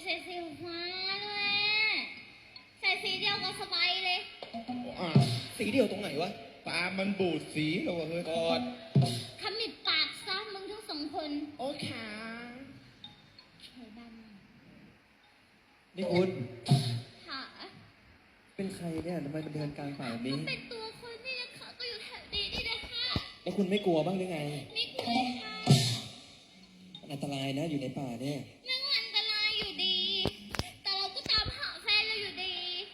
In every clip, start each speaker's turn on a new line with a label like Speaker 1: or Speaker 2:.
Speaker 1: ส่สีฟ้าด้วยใส่สีเดียวกับสบายเลย
Speaker 2: สีเดียวตรงไหนวะ
Speaker 3: ตามันบูดสีแล้ววะเฮ้ย
Speaker 2: กอด
Speaker 1: ขมิบปากซะมึงทั้งสองคน
Speaker 2: โอเค
Speaker 1: ใช่บ้าง
Speaker 2: นี่คุณ
Speaker 1: ค่ะ
Speaker 2: เป็นใครเนี่ยทำไมมันเดินกลางป่าแบบนี้
Speaker 1: เป็นตัวคนนี่นะคะก็อยู่แถวนี้นี่นะคะ
Speaker 2: แล้วคุณไม่กลัวบ้างหรือไง
Speaker 1: ไม่กลัวค่ะ
Speaker 2: มันอันตรายนะอยู่ในป่าเนี่ย
Speaker 1: ไม่ว่าอันตรายอยู่ดีแต่เราก็ตามหาแฟนเราอยู่ดี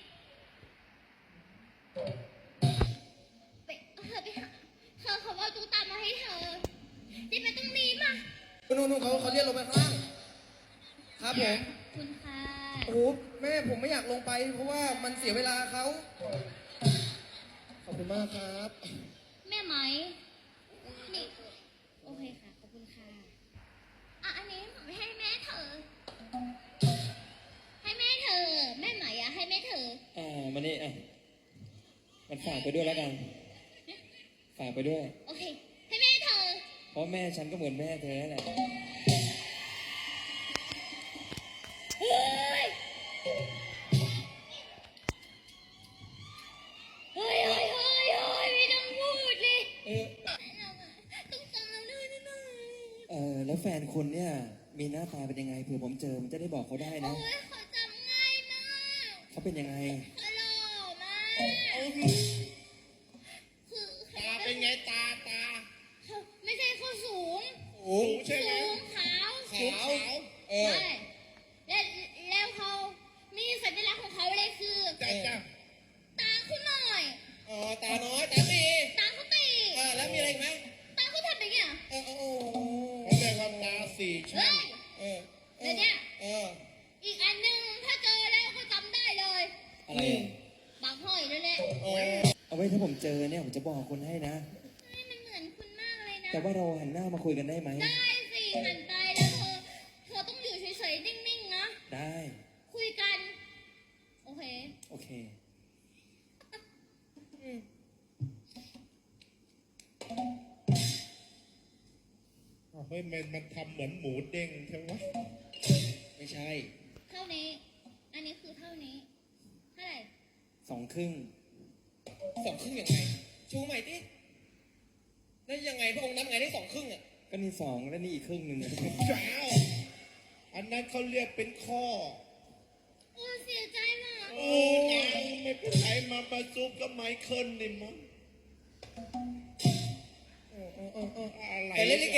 Speaker 1: ไปหาเธอเขาว่าตุ๊กตามาให้เธอที่ไปตรงนี้มา
Speaker 2: นู่นเขาเรียกลงไปข้างล่างครับผม
Speaker 1: คุณค่ะ
Speaker 2: โอ้แม่ผมไม่อยากลงไปเพราะว่ามันเสียเวลาเขาขอบคุณมากครับ
Speaker 1: แม่ไหมนี่โอเคค่ะขอบคุณค่ะอันนี้ไม่ให้แม่เธอให้แม่เธอแม่ไหมให้แม่เธอ
Speaker 2: มานี่มันฝากไปด้วยแล้วกันฝากไปด้วย
Speaker 1: โอเคให้แม่เธอ
Speaker 2: เพราะแม่ฉันก็เหมือนแม่เธอแหละ
Speaker 1: เฮ้ยไม่ต้องพูดเลยต้องจำเลยนะ
Speaker 2: แล้วแฟนคุณเนี่ยมีหน้าตาเป็นยังไงเผื่อผมเจอมันจะได้บอกเขาได้นะ
Speaker 1: โอ้ยเขาจำง่ายมาก
Speaker 2: เขาเป็นยังไง
Speaker 1: เขาหล่อมากคือ
Speaker 3: ตาเป็นไงตา
Speaker 1: ไม่ใช่เขาสูง
Speaker 3: ใช่ไหม
Speaker 1: สูงขาว
Speaker 3: ใช่
Speaker 1: แล้วเขามีสัญลักษณ์ของเขาเลยคือตาเขาหน่อย
Speaker 2: ตาน้อยตาตี
Speaker 1: ตาเขาตี
Speaker 2: แล้วมีอะไรไหม
Speaker 1: ตาเขาทำอย่างเงี้ย
Speaker 3: เขาเรียกว่าตาสี่ชั้น
Speaker 1: แล้วเนี่ยอีกอันหนึ่งถ้าเจอแล้วก็จำได้เลย
Speaker 2: อะไร
Speaker 1: บางห้อยนั่นแหละ
Speaker 2: เอาไว้ถ้าผมเจอเนี่ยผมจะบอกคุณให้นะ
Speaker 1: มันเหมือนคุณมากเลยนะ
Speaker 2: แต่ว่าเราหันหน้ามาคุยกันได้ไหม
Speaker 1: ได้สิหันไปแล้วเธอต้องอยู่เฉยๆนิ่งๆนะ
Speaker 2: ได้
Speaker 1: คุยกันโอเค
Speaker 3: เฮ้ยมันทำเหมือนหมูเด้งใช่ไหม
Speaker 2: ไม่ใช่
Speaker 1: เท่านี้อันนี้คือเท่านี้เท่าไหร่
Speaker 2: 2 ครึ่งยังไงชูใหม่ดิแล้วยังไงพระองค์นับไงได้2 ครึ่งก็นี่2แล้วนี่อีกครึ่งหนึ่ง
Speaker 3: เจ้าอันนั้นเขาเรียกเป็นข้อ
Speaker 1: เสียใจมาก
Speaker 3: นางไม่เป็นไรมาประซุกกับไมเคิลนี่มั้งอะไร
Speaker 2: เล่นลิเก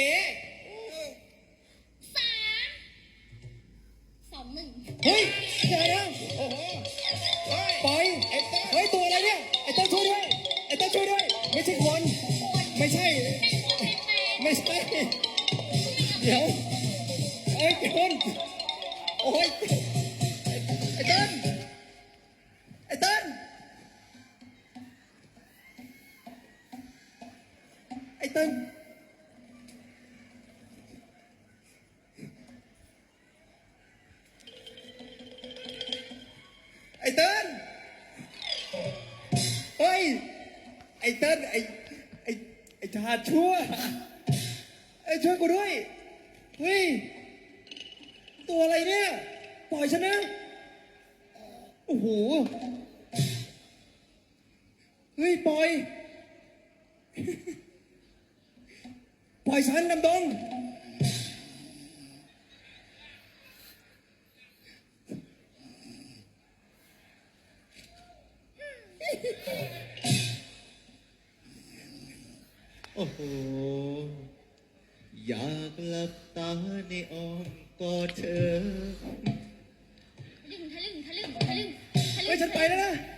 Speaker 1: 3-2-1
Speaker 2: เฮ้ยเดี๋ยวนะ
Speaker 3: โอ้โห
Speaker 2: ปล่อยเฮ้ยตัวอะไรเนี่ยไอ้ต้นช่วยด้วยไม่ใช่คนไม่ใช่เดี๋ยวคนโอ้ยไอ้ต้นไอ้ต้นไอ้ต้นเฮ้ยไอ้เติ้ลไอ้ชาชั่วช่วยกูด้วยเฮ้ยตัวอะไรเนี่ยปล่อยฉันนะโอ้โหเฮ้ยปล่อยฉันดำดง
Speaker 4: โอ้โหอยากหลับตาในอ้อมกอดเธอ
Speaker 1: ทะลึ่ง
Speaker 2: เฮ้ยฉันไปแล้วนะ